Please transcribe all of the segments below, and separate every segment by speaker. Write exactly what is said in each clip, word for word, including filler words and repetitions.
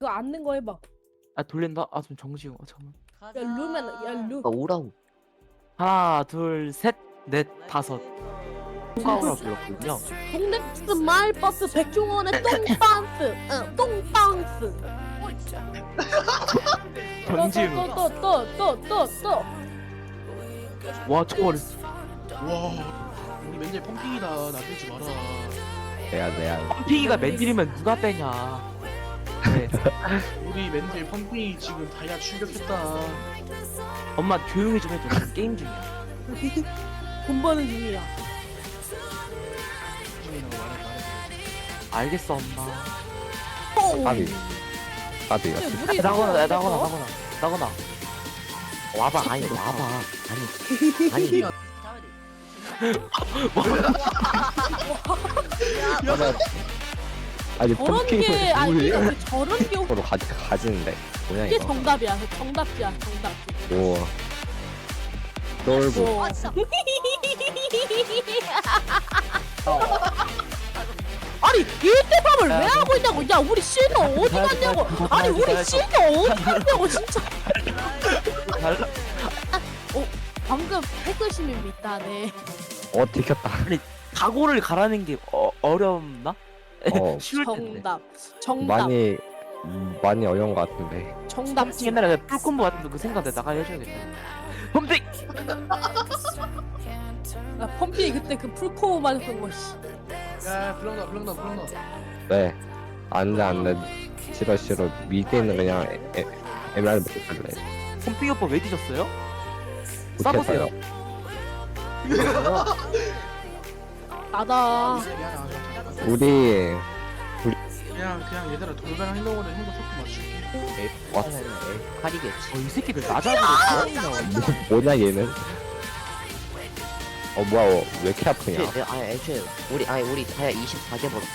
Speaker 1: 그거 앉는 거 해봐.
Speaker 2: 아 돌린다? 아 좀 정지용. 아 잠깐만.
Speaker 1: 야 루면 야 루.
Speaker 3: 아 오라고.
Speaker 2: 하나 둘 셋 넷 다섯. 파워라 불렀거든요.
Speaker 1: 동네버스 마을버스 백종원의 똥방스. 응 똥방스.
Speaker 2: 정지용.
Speaker 1: 또또또또또또
Speaker 2: 와 저걸
Speaker 4: 와 우리 맨날 펌핑이다. 나 빼지 마라.
Speaker 3: 내야 내야.
Speaker 2: 펌핑이가 맨들이면 누가 빼냐. 네.
Speaker 4: 우리 맨날 펌핑이 지금 다이아 출격했다.
Speaker 2: 엄마 조용히 좀 해줘. 나 게임 중이야.
Speaker 1: 돈 버는 중이야.
Speaker 4: 펌핑이라고 말해 말해.
Speaker 2: 알겠어 엄마.
Speaker 3: 까비. 까비.
Speaker 1: 근데
Speaker 3: 같이.
Speaker 1: 물이
Speaker 2: 나거나
Speaker 1: 너무
Speaker 2: 나거나
Speaker 1: 안
Speaker 2: 나거나 나거나.
Speaker 3: 와봐. 아니 와봐. 아니 아니.
Speaker 4: 야,
Speaker 3: 아니
Speaker 1: 저런 게 아니
Speaker 3: 뭘
Speaker 1: 이거 저런 게
Speaker 3: 으로 가지 가지는데 뭐냐
Speaker 1: 이게
Speaker 3: 이거.
Speaker 1: 정답이야. 정답이야. 정답.
Speaker 3: 오. 똘보.
Speaker 1: 뭐. 아니 일대밥을 왜 하고 있냐고. 야 우리 실드 어디 갔냐고. 아니 우리 실드 어디 갔냐고 진짜.
Speaker 2: 달라.
Speaker 1: 어 방금 해글심이 있다네.
Speaker 3: 어 들켰다.
Speaker 2: 각오를 가라는 게 어, 어렵나?
Speaker 3: 어.
Speaker 2: 쉬울 텐데.
Speaker 1: 정답. 정답.
Speaker 3: 많이 음, 많이 어려운 것 같은데.
Speaker 1: 정답.
Speaker 2: 옛날에 그 풀콤보 같은 거 그 생각 내가 해줘야겠다. 펌핑.
Speaker 1: 나 펌피 그때 그 풀코어 맞았던 거 씨.
Speaker 4: 야 불렁다 불렁다 불렁다.
Speaker 3: 네. 안돼 안돼. 싫어 싫어. 미드에는 그냥 에, 에, 에메랄드 먹고 갈래.
Speaker 2: 펌핑 오빠 왜 뒤졌어요?
Speaker 3: 못했어요.
Speaker 1: 나다.
Speaker 4: 미안해.
Speaker 3: 우리
Speaker 4: 그냥 그냥 얘들아 돌변한 행동으로 형도 속도 맞출게.
Speaker 3: 와
Speaker 2: 칼이겠지. 어, 이 새끼들 나잡으로
Speaker 3: 뭐, 뭐냐 얘는? 어 뭐야 어, 왜 이렇게 아프냐?
Speaker 5: 애초에, 아니 애초에 우리 아니 우리 다야 이십사 개 벌었어.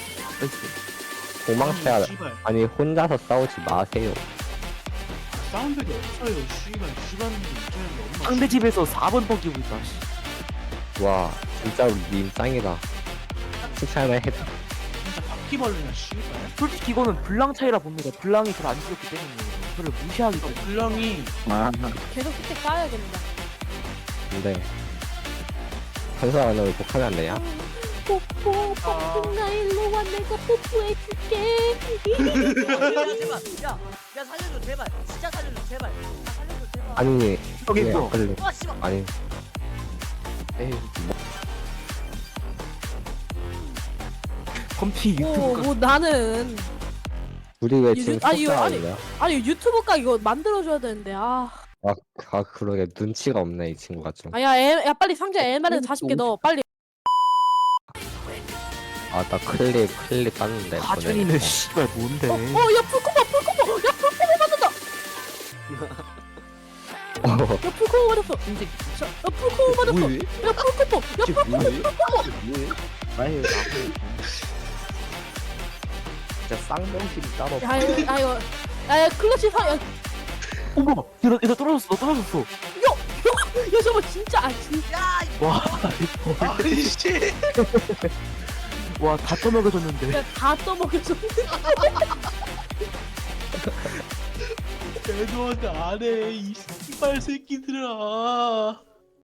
Speaker 3: 도망쳐야
Speaker 4: 씨발
Speaker 3: 아니 혼자서 싸우지 마세요.
Speaker 4: 사운드가 없어요. 씨발 집안에 이제는 엄마.
Speaker 2: 상대 집에서 사 번 뻑기고 있다. 씨.
Speaker 3: 와 진짜 님 짱이다. 칭찬을 해.
Speaker 4: 진짜 바퀴벌레냐 씨발.
Speaker 2: 솔직히 이거는 블랑 차이라 봅니다. 블랑이 그걸 안 죽였기 때문에 그걸 무시하기 때문에.
Speaker 4: 불량이
Speaker 1: 계속 그때 까야겠다.
Speaker 3: 근데 한사 안으로 복하면 안 되냐?
Speaker 1: 뽀뽀 뽀뽀 나 일로 와 내가 뽀뽀해줄게.
Speaker 5: 제발 야, 야 살려줘 제발 진짜 살려줘 제발 아, 살려줘 제발
Speaker 3: 아니
Speaker 2: 저기
Speaker 3: 왜
Speaker 2: 있어.
Speaker 3: 걸려?
Speaker 5: 와 씨발
Speaker 3: 아니 에이 뭐,
Speaker 2: 펌핑
Speaker 1: 뭐,
Speaker 2: 유튜브가
Speaker 1: 뭐 나는
Speaker 3: 우리 왜
Speaker 1: 유-
Speaker 3: 지금
Speaker 1: 아니, 이거 아니-
Speaker 3: 속상하냐?
Speaker 1: 아니 유튜브가 이거 만들어줘야 되는데 아
Speaker 3: 아, 아 그러게 눈치가 없네 이 친구가 좀.
Speaker 1: 아야 야 빨리 상자 엠알에 사십 개 넣어 빨리.
Speaker 3: 아 나 클립 클립 땄는데.
Speaker 2: 하준이는 씨발 뭔데?
Speaker 1: 어야 풀코버 풀코버 야 풀코버 맞았다.
Speaker 3: 어.
Speaker 1: 야 풀코버 맞았어. 자, 야 풀코버 맞았어.
Speaker 3: 뭐해?
Speaker 1: 야 풀코버 야 풀코버.
Speaker 3: 뭐해? 아니 나도 진짜 쌍명실이 따로.
Speaker 1: 야 이거 야 이거 야 클러치 사. 야, 야
Speaker 2: 어머, 얘너 얘너 떨어졌어. 너 떨어졌어.
Speaker 1: 저거 진짜 아 진짜.
Speaker 2: 와,
Speaker 4: 아니 씨.
Speaker 2: 와 다 떠먹여줬는데.
Speaker 1: 야, 다 떠먹여줘.
Speaker 4: 애도한테 안해 이 씨발 새끼들아.